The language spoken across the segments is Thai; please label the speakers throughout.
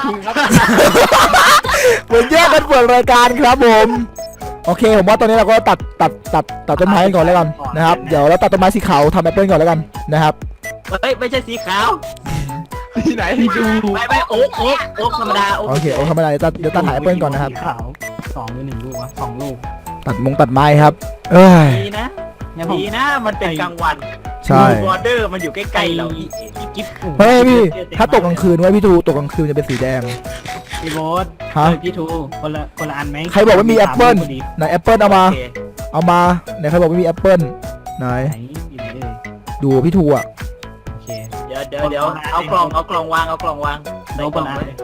Speaker 1: จริงครับ
Speaker 2: เหมือนแยกกันเปิดรายการครับผมโอเคผมว่าตอนนี้เราก็ตัดต้นไม้กันก่อนแล้วกันนะครับเดี๋ยวเราตัดต้นไม้สีขาวทำแอปเปิลก่อนแล้วกันนะครับ
Speaker 3: เฮ้ยไม่ใช่สีขาว
Speaker 1: ที่ไหนที่ดู
Speaker 3: ไม่โอ๊กธรรมดาโอ๊ก
Speaker 2: โอเคโอ้ทำอะไรเดี๋ยวตัดหายแอปเปิลก่อนนะครับ
Speaker 1: ขาว2 หรือ 1 ลูกวะ2 ลูก
Speaker 2: ตัดไม้ครับเอ้ย
Speaker 3: ดีนะดีนะมันเป็นกลางวัน
Speaker 2: ใช่
Speaker 3: บอร์เดอร์มันอยู่ใกล้ๆเราอีกิ๊บ
Speaker 2: เฮ้ยพี่ถ้าตกกลางคืนไว้พี่ทูตกกลางคืนจะเป็นสีแดง
Speaker 1: พี่โบ๊ท
Speaker 2: ฮะ
Speaker 1: พี่ทูคนละอันไหม
Speaker 2: ใครบอกว่ามีแอปเปิล
Speaker 1: พอดี
Speaker 2: ไหนแอปเปิลเอามา
Speaker 3: โอเค
Speaker 2: เอามาไหนใครบอกว่ามีแอปเปิลไหน
Speaker 1: ไหนอยู่ไหนเลย
Speaker 2: ดูพี่ทูอ่ะ
Speaker 1: โอเค
Speaker 3: เดี๋ยวเอากล่องวาง
Speaker 1: โล
Speaker 3: ใส่ก
Speaker 1: ก
Speaker 3: ล่อง
Speaker 1: ลา
Speaker 3: ไว้
Speaker 1: เลย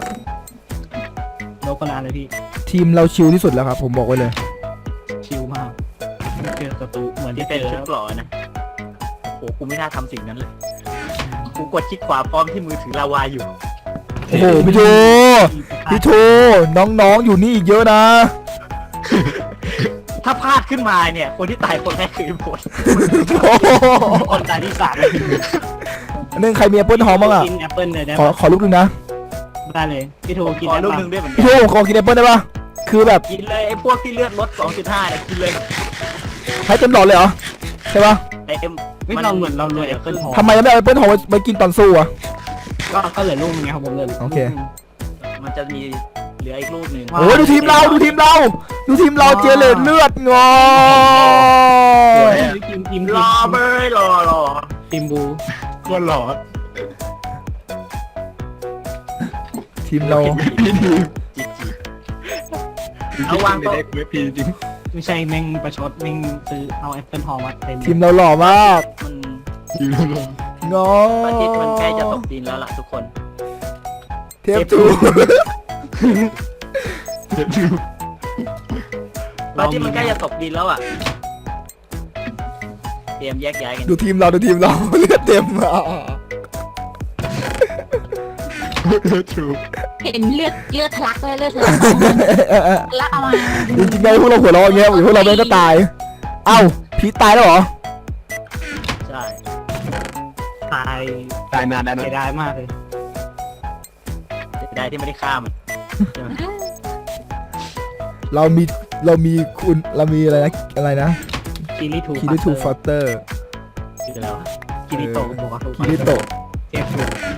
Speaker 1: โลกลาเลยพี่
Speaker 2: ทีมเราชิลที่สุดแล้วครับผมบอกไว้เลย
Speaker 1: ชิลมากไม่เจอศัตรูเหมือน
Speaker 3: ที่
Speaker 1: ที่
Speaker 3: เป็น
Speaker 1: เจอ
Speaker 3: ชุดเกราะนะโอ้กูไม่น่าทำสิ่งนั้นเลยกูกดคลิกขวาพร้อมที่มือถือลาวาอยู่
Speaker 2: โอ้โหพี่ทูน้องๆอยู่นี่อีกเยอะนะ
Speaker 3: ถ้าพลาดขึ้นมาเนี่ยคนที่ตายคนแรกคือไอ้ผล
Speaker 2: โอ้โห
Speaker 1: คนตายที่3
Speaker 2: อันนึงใครมีแอปเปิลหอมบ้างอ่ะ
Speaker 1: กินแอปเปิลเลยได้
Speaker 2: ขอลูกหนึงนะ
Speaker 1: ได้เลยพี่ทูกิน
Speaker 3: ขอ
Speaker 1: แอป
Speaker 3: ลูก
Speaker 1: เปิ
Speaker 3: หนึ่
Speaker 1: ล
Speaker 3: งด้วยเหมือนกั
Speaker 2: พี่ทูผมขอกินแอปเปิลได้ปะคือแบบ
Speaker 3: กินเลยไอ้พวกที่เลือดลด 2.5เนี่ยกินเลย
Speaker 2: ให้เต็มหลอดเลยเหรอใช่ปะ
Speaker 3: เต็ม
Speaker 1: ไม่เราเหมือนเราเลยแอปเปิลทอง
Speaker 2: ทำไมยังไม่เอาแอปเปิลหอมไปกินตอนสู้อ่ะ
Speaker 1: ก็เหลือลูกนึงไงครับผมเลย
Speaker 2: โอเค
Speaker 3: มันจะมีเหลืออีกลูกหนึ่ง
Speaker 2: โอ้ยดูทีมเราเจเลตเลือดงอ
Speaker 1: ทีม
Speaker 3: รอเบยรอ
Speaker 1: ทีมบู
Speaker 4: ก็หลอด
Speaker 2: ทีมเรา
Speaker 4: พี่ดี
Speaker 3: จีเอาวางโต๊ะ
Speaker 4: เด็กเว็บพีจริง
Speaker 1: ไม่ใช่แม่งประชดแม่งซื้อเอาแอปเปิลทองมาเต็ม
Speaker 2: ทีมเราหล่อมาก
Speaker 3: มัน
Speaker 4: อยู่ลง
Speaker 2: งอ
Speaker 3: พระอาทิตย์มันใกล้จะตกดินแล้วล่ะทุกคน
Speaker 2: เทปทู
Speaker 4: เด็กอยู่
Speaker 3: พระอาทิตย์มันใกล้จะตกดินแล้วอ่ะเตรียมแยกย้ายกัน
Speaker 2: ดูทีมเราเลือดเต็มอ่ะ
Speaker 4: ถูก
Speaker 5: เห็นเลือดทะลักเลยเลือดทะลักแล้วเอามา
Speaker 2: จริงๆไงพวกเราหัวเราะอย่างเงี้ยพวกเราไม่ก็ตายเอ้าพีทตายแล้วเหรอ
Speaker 3: ใช่
Speaker 1: ตาย
Speaker 4: ตายนานได้ไหม
Speaker 1: เสียดายมากเลย
Speaker 3: เสียดายที่ไม่ได้ฆ่ามันใช่ไหม
Speaker 2: เรามีคุณเรามีอะไรนะ
Speaker 1: คิริทู
Speaker 2: คิริทูฟอสเตอร์
Speaker 3: คือแล้วะ
Speaker 1: คิริโตะบอกว่า
Speaker 2: คิริโตะ
Speaker 1: เทพทู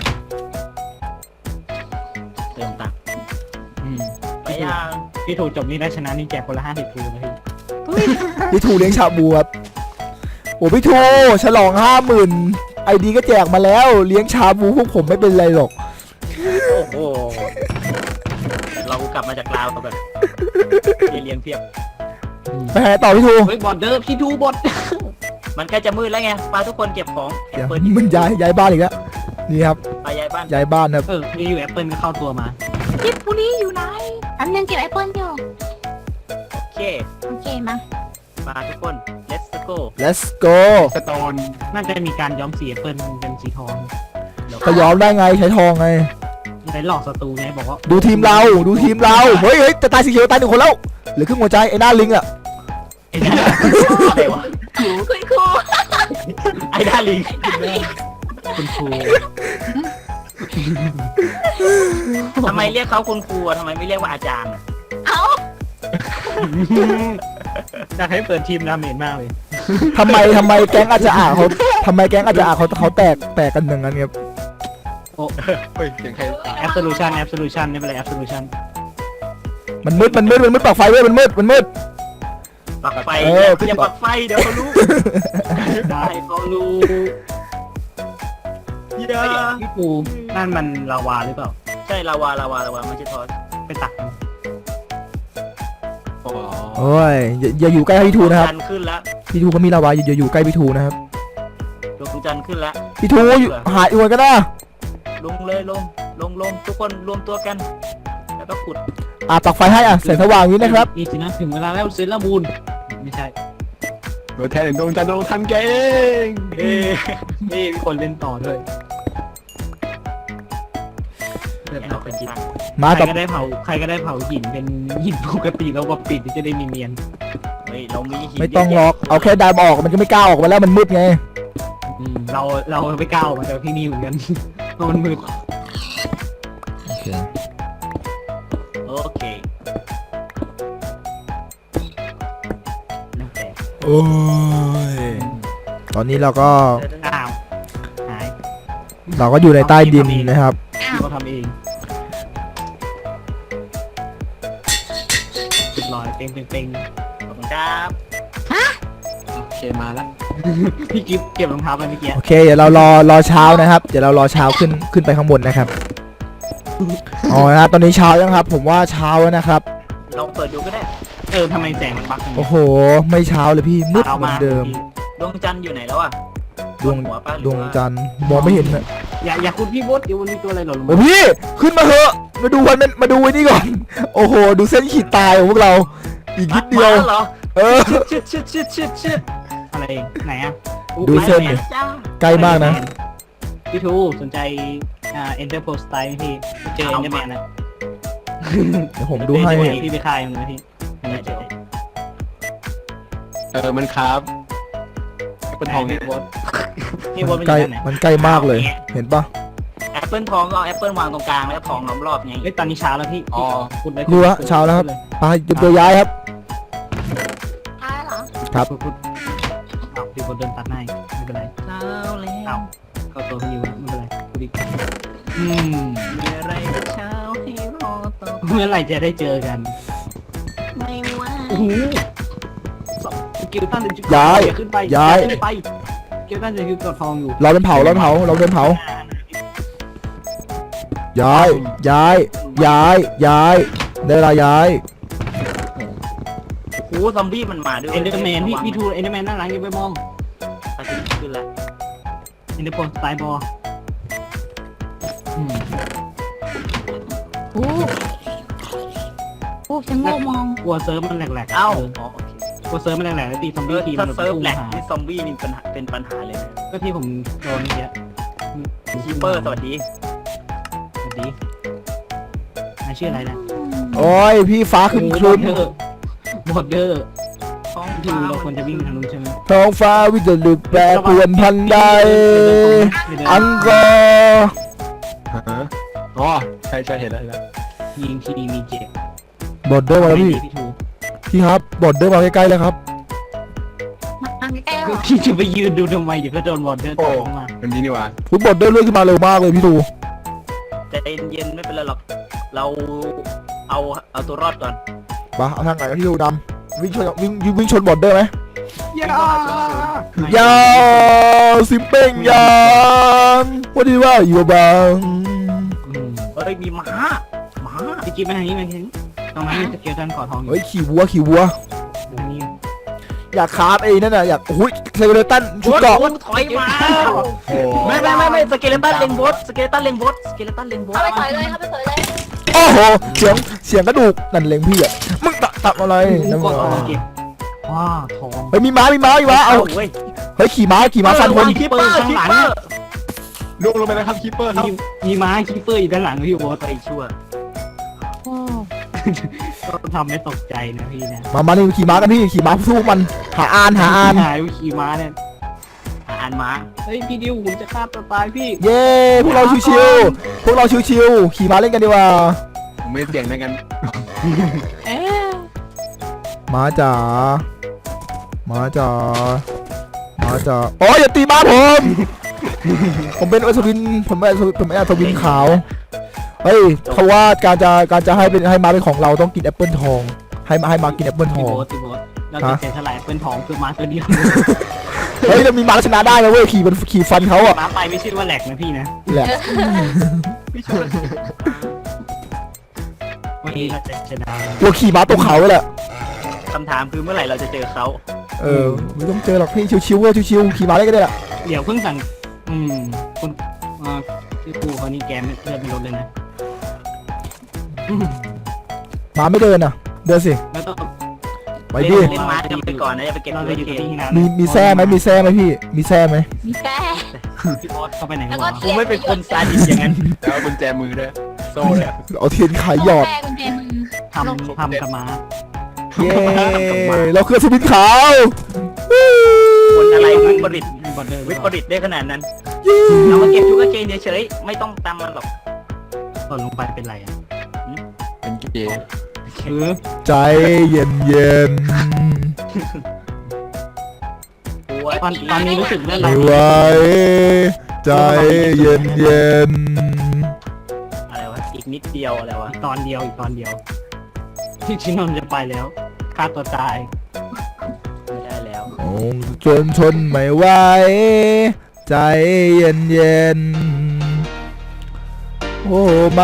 Speaker 3: เติมตังค์
Speaker 1: อืม
Speaker 3: ไปยัง
Speaker 1: พี่ทูจบนี่ได้ชนะนี่แจกคนละ50 ทูนะพี่
Speaker 2: พี่ทูเลี้ยงชาบูครับโอ้พี่ทูฉลอง 50,000 ไอดีก็แจกมาแล้วเลี้ยงชาบูพวกผมไม่เป็นไรหรอก
Speaker 3: โอ้โหเรากลับมาจากลาวแบบเรียนเพียบ
Speaker 2: ไปไหนต่อพี่ทู
Speaker 1: เฮ้ยบอดเดอร์พี่ทูบอด
Speaker 3: มันใกล้จะมืดแล้วไงปาทุกคนเก็บของ
Speaker 2: เดี๋ยว
Speaker 3: เปิด
Speaker 2: มันย้ายบ้านอีกแล้วนี่ครับ
Speaker 3: ไปย้ายบ้าน
Speaker 2: ย้ายบ้านครับ
Speaker 1: มีอยู่แอปเปิลก็เข้าตัวมา
Speaker 5: จิบบุรีอยู่ไหนอันนึงเก็บแอปเปิ้ลอยู่
Speaker 3: โอเค
Speaker 5: โอเคมา
Speaker 3: มาทุกคน let's go
Speaker 2: let's go
Speaker 4: สโตน
Speaker 1: น่าจะมีการย้อมสีแอปเปิลเป็นสีทอง
Speaker 2: ก็ย้อมได้ไงใช้ทองไง
Speaker 1: ในหลอกศัตรูไงบอกว่า
Speaker 2: ดูทีมเราเฮ้ยจะตายสีเขียวตาย1 คนแล้วเหลือครึ่งหัวใจไอ้หน้าลิงอ่ะ
Speaker 3: อะไรวะ
Speaker 5: คุณครู
Speaker 3: ไอ้ด้าลิง
Speaker 1: คุณครู
Speaker 3: ทำไมเรียกเขาคุณครูอะทำไมไม่เรียกว่าอาจารย์อะ
Speaker 5: เอา
Speaker 1: อยากให้เปิดทีมดาเมจมากเลย
Speaker 2: ทำไมแก๊งอาจจะเขาแตกกันอย่างนั้นครับ
Speaker 4: เฮ้ยเสียงใคร
Speaker 1: แอปโซลูชันไม่เป็นไรแอปโซลูชัน
Speaker 2: มันมืดปากไฟเว้ยมันมืด
Speaker 3: ปักไฟ
Speaker 2: เออ
Speaker 3: อย่าปักไฟเดี๋ยวเขารู้
Speaker 1: ได้เขารู้
Speaker 3: อย่า
Speaker 1: พี่ปูนั่นมันลาวาหรือเปล่า
Speaker 3: ใช่ลาวาไม่ใช่ทอส
Speaker 1: ไปตักมัน
Speaker 4: อ๋อ
Speaker 2: โอ้ยอย่าอยู่ใกล้พี่ทูนะครับ
Speaker 3: จันทร์ขึ้นแล้ว
Speaker 2: พี่ทูก็มีลาวาอย่าอยู่ใกล้พี่ทูนะครับ
Speaker 3: ดวงจันทร์ขึ้นแล้ว
Speaker 2: พี่ทูหายอีกวันก็ได้
Speaker 3: ลงเลยลงทุกคนรวมตัวกัน แล้วก็ขุด
Speaker 2: ปักไฟให้แสงสว่างนี้นะครับ
Speaker 1: นี่สินะถึงเวลาแล้วเซรามูนไม่ใช่
Speaker 4: ตัวแทนดวงจันทร์ดวงทันเก่ง
Speaker 3: เอ้ย
Speaker 1: นี่มีคนเล่นต่อด้วยเลือด
Speaker 3: เรา
Speaker 1: เรา
Speaker 3: เป็
Speaker 1: เป็น น
Speaker 3: จิ
Speaker 1: จิ
Speaker 3: ต
Speaker 1: ต
Speaker 2: มา
Speaker 1: ใคร
Speaker 2: ต่อ
Speaker 1: ก็ได้เผาหินเป็นหินปกติแล้วก็ปิดจะได้มีเนียน
Speaker 3: เฮ้ยเรามีหิน
Speaker 2: ไม่ต้องล็อกเอาแค่ไดมออกมันก็ไม่กล้าออกมาแล้วมันมืดไง
Speaker 1: เราไม่กล้าออกมาจากที่นี่เหมือนกันเพราะมันมืด
Speaker 2: โอเคเค
Speaker 3: โอเคน้ำแตก
Speaker 2: โอ้ยตอนนี้เราก็
Speaker 1: อ้าวหาย
Speaker 2: อยู่ในใต้ดินนะครับ
Speaker 1: เราทำเองเรียบร้อยเป่ง
Speaker 3: ขอบคุณครับ
Speaker 4: โอเคมาแล้ว
Speaker 1: พี่กิฟเก็บรองเท้าไปเมื่อกี้
Speaker 2: โอเคเดี๋ยวเรารอเช้านะครับเดี๋ยวเรารอเช้าขึ้นไปข้างบนนะครับอ๋อนะครับตอนนี้เช้ายังครับ ผมว่าเช้าแล้วนะครับ
Speaker 3: ลองเปิดดูก็ได้
Speaker 1: ทำไมแสงมันบักอย่าง
Speaker 2: โอ้
Speaker 1: นี้
Speaker 2: โหไม่เช้าเลยพี่มืดเหมือนเดิม
Speaker 3: ดวงจันทร์อยู่ไหนแล้วอ่ะ
Speaker 2: ดวง
Speaker 3: หัวปะห
Speaker 2: ด
Speaker 3: รือ
Speaker 2: วง
Speaker 3: ว่า
Speaker 2: จันทร์มองไม่เห็นนะ
Speaker 1: อย่าคุณพี่บดเดี๋ยววันนี้ตัวอะไรหล่นลง
Speaker 2: โอ้
Speaker 1: มา
Speaker 2: พี่ขึ้นมาเถอะมาดูวันมาดูไอ้นี่ก่อน โอ้โห ดูเส้นขีดตายของพวกเรา อีกนิดเดียว
Speaker 3: มาเหรอ
Speaker 2: เออ
Speaker 3: ชิด
Speaker 1: อะไรเองไหนอะ
Speaker 2: ดูเส้นดิ
Speaker 3: จ้า
Speaker 2: ใกล้มากนะ
Speaker 1: พี่ทูสนใจEnter Post Style ไหมพี่เจอ Enderman นะ
Speaker 2: เดี๋ยวผมดูให้
Speaker 1: พี่ไปคายมันนะพี่
Speaker 3: เดี๋ยว
Speaker 4: มันครับเป็นทองเนี่ย
Speaker 1: พี่บดพี่บดมันอ
Speaker 2: ใกล้
Speaker 1: ยู่ไหน
Speaker 2: มันใกล้มากเลย เห็นปะ
Speaker 3: แอปเปิลทองก็เอาแอปเปิลวางตรงกลางแล้วก็ทองล้อมรอบไง
Speaker 1: เฮ้ยตอนนี้เช้าแล้วพี่
Speaker 4: อ๋อ
Speaker 1: พูดเลย
Speaker 2: รู้ละเช้าแล้วครับ ไปเตรียมตัวย้ายครับ
Speaker 5: ท้ายเหรอ
Speaker 2: ครับ
Speaker 1: พูดอ้าวพี่บดเดินตัดหน้าอีกไม่เป็นไร
Speaker 3: เช้าแล้ว
Speaker 1: อ้าวเข้าตัวพี่อยู่ไม่เป็นไรพูดอีกอืม
Speaker 3: มีอะไรกับเช้าให้รอต่อ
Speaker 1: เมื่อไหร่จะได้เจอกัน
Speaker 5: ไม่ว่า
Speaker 1: โอ้โหสกิลตันจะ
Speaker 2: ย้าย
Speaker 1: ขึ้นไป
Speaker 2: ย้าย
Speaker 1: ขึ้นไปสกิลตันจะคือกดทองอยู่
Speaker 2: เราเป็นเผาเราเป็นเผาย้ายได้เวลาย้าย
Speaker 3: โอ้ซอมบี้มันมาด้วย
Speaker 1: เอ็นเดอร์แมนพี่ทูเอ็นเดอร์แมนด้านหลังอย่าไปมอง
Speaker 3: อาทิตย์ขึ้นแล้ว
Speaker 1: เอ็นเดอร์โพสไตล์บอล
Speaker 5: โอ้โอ้ฉันโง่มอง
Speaker 1: กลัวเซิร์ฟมันแหลกๆ
Speaker 3: เอ้า
Speaker 1: อ๋อกลัวเซิร์ฟมันแหลกๆแล้วตีซอมบี้ที
Speaker 3: ถ้า
Speaker 1: มัน
Speaker 3: เซิร์ฟแหลก
Speaker 1: หา
Speaker 3: นี่ซอมบี้นี่เป็นปัญหาเลยนะ
Speaker 1: ก็ที่ผมโดนเยอะ
Speaker 3: คีเปอร์สวัสดี
Speaker 1: สวัสดีนายชื่ออะไรนะ
Speaker 2: โอ้ยพี่ฟ้าครึม
Speaker 1: บอดเดอร์บอดเดอร์
Speaker 3: ท้อง
Speaker 1: พี่ทูเราควรจะวิ่งทางนู้นใช่ไหม
Speaker 2: ท้องฟ้าวิจลุกแปรปรวนพันใดอังกอร์
Speaker 4: ฮะอ๋อใช่เห็นแล้ว
Speaker 1: ยิงทีมีเจ็บบ
Speaker 2: อดเดอร์มาแล้วพี่
Speaker 1: พี่ทู
Speaker 2: พี่ครับบอดเดอร์มาใกล้ๆแล้วครับ
Speaker 5: มาใกล้ๆหรอ
Speaker 1: พี่จะไปยืนดูทำไมเดี๋ยวก็โดนบอดเดอร์ตกลงมา
Speaker 4: มันนี้นี่หว่า
Speaker 2: ฟุตบอลเดอร์เลื่อนขึ้นมาเร็วมากเลยพี่ดู
Speaker 3: ใจเย็นไม่เป็นไรหรอก เราเอาตัวรอดก่อน
Speaker 2: ปะเอาทางไหนพี่ดูดำวิ่งชนบอลเดอร์ไหม
Speaker 1: อย่า
Speaker 2: ยาวซิมเป้งยางว่าดีว่าอยู่บัง
Speaker 3: เฮ้ยมีม้า
Speaker 1: พี่กิ๊บมาทางนี้มาทางนี้ตรงนั้นมีสเกลตันขอทองอยู่
Speaker 2: เฮ้ยขี่วัว
Speaker 1: ทางนี้
Speaker 2: อยากคราฟไอ้นั่นน่ะอยากโอ้ยเซเลตันชุดเกราะ
Speaker 3: โอ้ถอยมา
Speaker 4: โอ้
Speaker 3: ไม่สเกเลตันเล็งบอสสเกเลตันเล็งบอส
Speaker 5: เข้าไปต่อยเลยเข้าไปต่อยเลย
Speaker 2: โอ้โหเสียงกระดูกนั่นเล็งพี่อ่ะมึงตับอะไร
Speaker 1: ก
Speaker 2: นั่น
Speaker 1: ด
Speaker 2: มึง
Speaker 1: ออกเก็บว้าทอง
Speaker 2: เฮ้ยมีม้าเอา
Speaker 3: เว้ย
Speaker 2: เฮ้ยขี่ม้าฟันคน
Speaker 3: คีเปอร์คีเปอร์
Speaker 4: ล่วงลงไปแล้วครับคีเปอร์ครับ
Speaker 1: มีม้าคีเปอร์อยู่ด้านหลังพี่โบ๊ท
Speaker 3: ไปชั่ว
Speaker 5: โอ้
Speaker 1: ก็ทำให้ตกใจนะพี่นะ
Speaker 2: มานี่ขี่ม้ากันพี่ขี่ม้าสู้มันหาอาน
Speaker 1: หายขี่ม้าเนี่ย
Speaker 3: อ่านม้า
Speaker 1: เฮ้ยพี่ดิวผมจะฆ่าตัวตายพี่
Speaker 2: เย้พวกเราชิวๆขี่ม้าเล่นกันดีกว่า
Speaker 4: ไม่เสี่ยงในกัน
Speaker 1: เอ๊ะ
Speaker 2: ม้าจ๋าโอ้ยอย่าตีม้าผมเป็นอัศวินผมเป็นอัศวินขาวเฮ้ยเขาว่าการจะให้ม้าเป็นของเราต้องกินแอปเปิลทองให้ม้ากินแอปเปิลท
Speaker 1: พี่
Speaker 2: อง
Speaker 1: โบ๊ทเราจะเสียสลายเป็นทองคือม้าตัวเดียว
Speaker 2: เฮ้ยเรามีม้าชนะได้นะเว้ยขี่ฟันเขาอะ
Speaker 1: ม้าไปไม่ใช่ว่าแหลกนะพี่นะ
Speaker 2: แหละ
Speaker 1: วันนี้เราจะชนะ
Speaker 2: ตัวขี่ม้าตกเขาเลยแหละ
Speaker 3: คำถามคือเมื่อไหร่เราจะเจอเขา
Speaker 2: ไม่ต้องเจอหรอกพี่ชิวๆชิวๆขี่ม้าเล่นกันได้แหละ
Speaker 1: เดี๋ยวเพิ่งสั่งคุณชื่อครูเขานี่แกไม่เลือดไม่ลดเลยนะ
Speaker 2: ม้าไม่เดินอะเดินสิ
Speaker 1: แล้วต้อง
Speaker 2: ไปดิ
Speaker 3: เล่นม้ากันไปก่อนนะอย่าไปเก็บ
Speaker 1: เรา
Speaker 3: เล
Speaker 1: จะ
Speaker 3: ย
Speaker 1: อยู่กับ
Speaker 3: เก
Speaker 1: ที่
Speaker 3: ม
Speaker 1: นาน
Speaker 2: มีแซ่ไหมพี่มีแซ่ไหม
Speaker 5: มีแก้
Speaker 1: พี่โบ๊ทเข้าไปไหน
Speaker 5: แล้ว
Speaker 1: วะ
Speaker 5: ก็
Speaker 3: กูไม่เป็นคนซาดิสอย่างนั้น
Speaker 4: แล้วกุญแจมือด้วยโซ่เลย
Speaker 2: เอาเทียนขายหยอด
Speaker 5: แก้กุญแจมือ
Speaker 1: ทำกับม้า
Speaker 2: เย้เราคือสวินขาว
Speaker 3: คนอะไรวิปริต
Speaker 1: บอดเดอร์
Speaker 3: วิปริตได้ขนาดนั้นเอามาเก็บชุกเกนเฉยๆไม่ต้องตามมันหรอก
Speaker 1: ตล่นลงไปเป็นไรอ่ะ
Speaker 4: เป็นเกย์
Speaker 1: คือ
Speaker 2: ใจเย็นเย็น
Speaker 1: ตอนนี้รู้สึกเรื่อง
Speaker 2: ๆ
Speaker 1: อะไร
Speaker 2: ไม่ไหวใจเย็นเย็น
Speaker 3: อะไรวะอีกนิดเดียวอะไรวะ
Speaker 1: อีกตอนเดียวที่ชินนท์จะไปแล้วฆ่าตัวตาย
Speaker 3: ไม่ได้แล้ว
Speaker 2: ๆโอ้จนทนไม่ไหวใจเย็นเย็นๆโอ้มา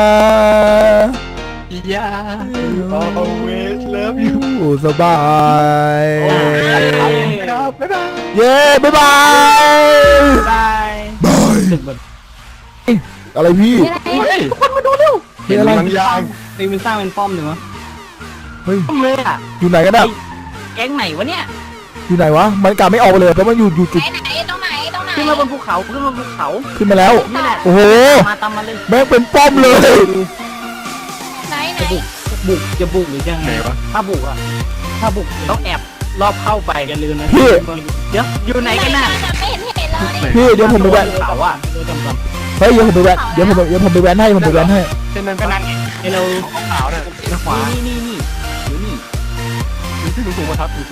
Speaker 4: อย่า always love you
Speaker 2: สบาย
Speaker 4: ครับบ๊ายบาย
Speaker 2: เย้บ๊ายบาย
Speaker 1: บายรู้สึกแบบ
Speaker 2: อะไรพี่
Speaker 5: นี่อะไร
Speaker 4: เฮ้ย
Speaker 2: เฮ้ยอะไร
Speaker 4: บางอย่าง
Speaker 1: ตีมันสร้างเป็นป้อมหรือวะ
Speaker 2: เฮ้ย
Speaker 3: ทำเลยอ่ะ
Speaker 2: อยู่ไหนกันอะ
Speaker 3: แก๊งไหนวะเนี่ย
Speaker 2: อยู่ไหนวะมันกลับไม่ออกเลยเพราะมันอยู่จุด
Speaker 5: ไหนตรงไหน
Speaker 3: ขึ้นมาบนภูเขาขึ้นมาบนภูเขา
Speaker 2: ขึ้นมาแล้ว
Speaker 3: นี่แหละ
Speaker 2: โอ้โห
Speaker 3: ตามมาเลย
Speaker 2: แม่งเป็นป้อมเลย
Speaker 5: ไหน
Speaker 1: จะบุกหรือจะไง
Speaker 4: ไหนวะ
Speaker 3: ถ้าบุกอ่ะถ้าบุกต้องแอบรอบเข้าไป
Speaker 1: อย่าลืมนะ
Speaker 2: พี่
Speaker 3: เดี๋ยวอยู่ไหนกันน่ะ
Speaker 5: ไม่เห็นเลย
Speaker 2: พี่เดี๋ยวผมไปแวน
Speaker 3: เขาอ่ะ
Speaker 1: ดูจำจ
Speaker 2: เฮ้ยเดี๋ยวผมไปแวนเดี๋ยวผมไปแวนให้ผมไปแวนให้
Speaker 4: เช่นนั้น
Speaker 1: ำก็นั่นไงให้เรา
Speaker 4: ขาวๆน่ะ
Speaker 1: ขวา
Speaker 3: นี่อยู่นี่
Speaker 4: มีที่สูงๆมาทับ